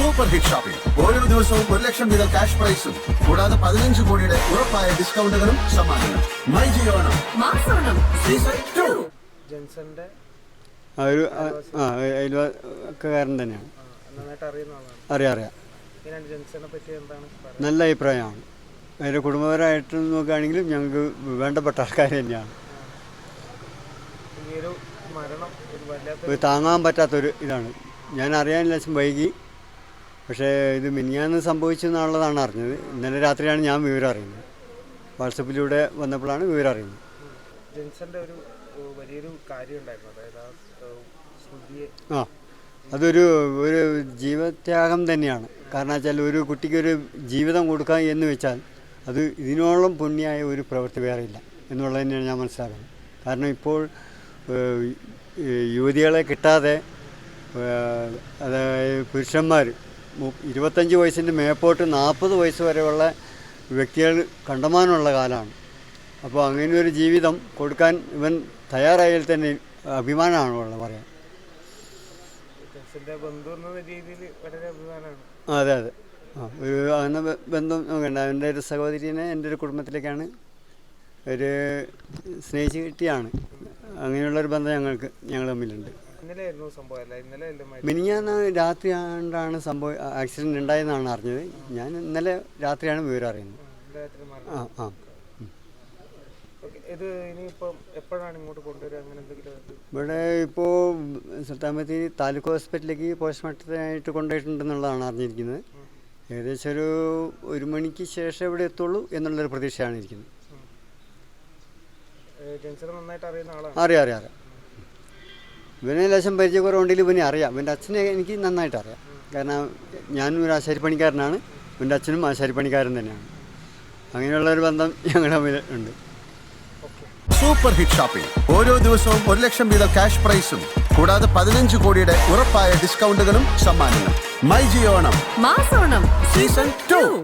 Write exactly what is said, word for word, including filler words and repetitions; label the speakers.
Speaker 1: Super hit shopping ഓരോ ദിവസവും ഒരു ലക്ഷം വീതം ക്യാഷ് പ്രൈസും കൂടാതെ പതിനഞ്ച് കോടിയുടെ ഉറപ്പായ ഡിസ്കൗണ്ടുകളും സമ്മാനങ്ങളും. മൈ ജിയോണം
Speaker 2: മാസോണം
Speaker 1: സീസൺ ടു.
Speaker 3: ജെൻസന്റെ
Speaker 4: ആ ഒരു ആ അയൽവക്കാരൻ തന്നെയാണ്.
Speaker 3: നന്നായിട്ട് അറിയുന്ന ആളാണ്.
Speaker 4: അറിയാം അറിയാം
Speaker 3: ഇങ്ങനെയാണ് ജെൻസനെ പറ്റി എന്താണ് പറയുന്നത്?
Speaker 4: നല്ല അഭിപ്രായമാണ്. അതിൻ്റെ കുടുംബപരമായിട്ട് നോക്കുകയാണെങ്കിലും ഞങ്ങൾക്ക് വേണ്ടപ്പെട്ട ആൾക്കാർ തന്നെയാണ്.
Speaker 3: ഈ ഒരു മരണം ഒരു വല്ലാത്ത
Speaker 4: ഒരു താങ്ങാൻ പറ്റാത്തൊരു ഇതാണ്. ഞാൻ അറിയാൻ ലക്ഷം വൈകി, പക്ഷേ ഇത് മിനിഞ്ഞാന്ന് സംഭവിച്ചു എന്നുള്ളതാണ് അറിഞ്ഞത്. ഇന്നലെ രാത്രിയാണ് ഞാൻ വിവരം അറിയുന്നത്. വാട്സപ്പിലൂടെ വന്നപ്പോഴാണ് വിവരം അറിയുന്നത്.
Speaker 3: ജെൻസന്റെ ഒരു വലിയൊരു കാര്യം ഉണ്ടായിരുന്നു, അതായത് ആ സ്മൃതിയെ
Speaker 4: ആ അതൊരു ഒരു ജീവത്യാഗം തന്നെയാണ്. കാരണം വെച്ചാൽ ഒരു കുട്ടിക്കൊരു ജീവിതം കൊടുക്കുക എന്ന് വെച്ചാൽ അത് ഇതിനോളം പുണ്യമായ ഒരു പ്രവൃത്തി വേറെയില്ല എന്നുള്ളത് തന്നെയാണ് ഞാൻ മനസ്സിലാക്കുന്നത്. കാരണം ഇപ്പോൾ യുവതികളെ കിട്ടാതെ അതായത് പുരുഷന്മാർ ഇരുപത്തഞ്ച് വയസ്സിൻ്റെ മേപ്പോട്ട് നാൽപ്പത് വയസ്സ് വരെയുള്ള വ്യക്തികൾ കണ്ടമാനമുള്ള കാലമാണ്. അപ്പോൾ അങ്ങനെ ഒരു ജീവിതം കൊടുക്കാൻ ഇവൻ തയ്യാറായാൽ തന്നെ അഭിമാനമാണുള്ളത് പറയാൻ.
Speaker 3: ജെൻസന്റെ ബന്ധു എന്ന രീതിയിൽ വളരെ അഭിമാനമാണ്.
Speaker 4: അതെ അതെ ആ ഒരു അങ്ങനെ ബന്ധം നോക്കണ്ട. എൻ്റെ ഒരു സഹോദരിനെ എൻ്റെ ഒരു കുടുംബത്തിലേക്കാണ് ഒരു സ്നേഹിച്ച് കിട്ടിയാണ്. അങ്ങനെയുള്ളൊരു ബന്ധം ഞങ്ങൾക്ക് ഞങ്ങൾ തമ്മിലുണ്ട്.
Speaker 3: ഇന്നലെയായിരുന്നു സംഭവം അല്ല ഇന്നലെ
Speaker 4: മിനിഞ്ഞാന്ന് രാത്രി ആണ്ടാണ് സംഭവം ആക്സിഡൻറ്റ് ഉണ്ടായെന്നാണ് അറിഞ്ഞത്. ഞാൻ ഇന്നലെ രാത്രിയാണ് വിവരം അറിയുന്നത്. ആ ആ
Speaker 3: ഇത് ഇനിയിപ്പം എപ്പോഴാണ് ഇങ്ങോട്ട് കൊണ്ടുവരിക? അങ്ങനെ എന്തെങ്കിലും
Speaker 4: ഇവിടെ ഇപ്പോൾ സുൽത്താൻബത്തേരി താലൂക്ക് ഹോസ്പിറ്റലിലേക്ക് പോസ്റ്റ്മോർട്ടത്തിനായിട്ട് കൊണ്ടുപോയിട്ടുണ്ടെന്നുള്ളതാണ് അറിഞ്ഞിരിക്കുന്നത്. ഏകദേശം ഒരു ഒരു മണിക്ക് ശേഷം ഇവിടെ എത്തുള്ളൂ എന്നുള്ളൊരു പ്രതീക്ഷയാണ് ഇരിക്കുന്നത്.
Speaker 3: ജെൻസനെ നന്നായിട്ട് അറിയുന്ന ആളാണ്.
Speaker 4: അറിയാം അറിയാം അറിയാം ഇവനെ ലേശം പരിചയക്കുറവുണ്ടെങ്കിൽ ഇവനെ അറിയാം. ഇവൻ്റെ അച്ഛനെ എനിക്ക് നന്നായിട്ട് അറിയാം. കാരണം ഞാനും ഒരു ആശാരിപ്പണിക്കാരനാണ്, ഇവൻ്റെ അച്ഛനും ആശാരിപ്പണിക്കാരൻ തന്നെയാണ്. അങ്ങനെയുള്ളൊരു ബന്ധം ഞങ്ങൾ തമ്മിൽ ഉണ്ട്.
Speaker 1: സൂപ്പർ ഹിറ്റ് ഷോപ്പിംഗ് ഓരോ ദിവസവും ഒരു ലക്ഷം വീതം ക്യാഷ് പ്രൈസും കൂടാതെ പതിനഞ്ച് കോടിയുടെ ഉറപ്പായ ഡിസ്കൗണ്ടുകളും സമ്മാനങ്ങളും. മൈ ജിയോണം
Speaker 2: മാസോണം
Speaker 1: സീസൺ ടു.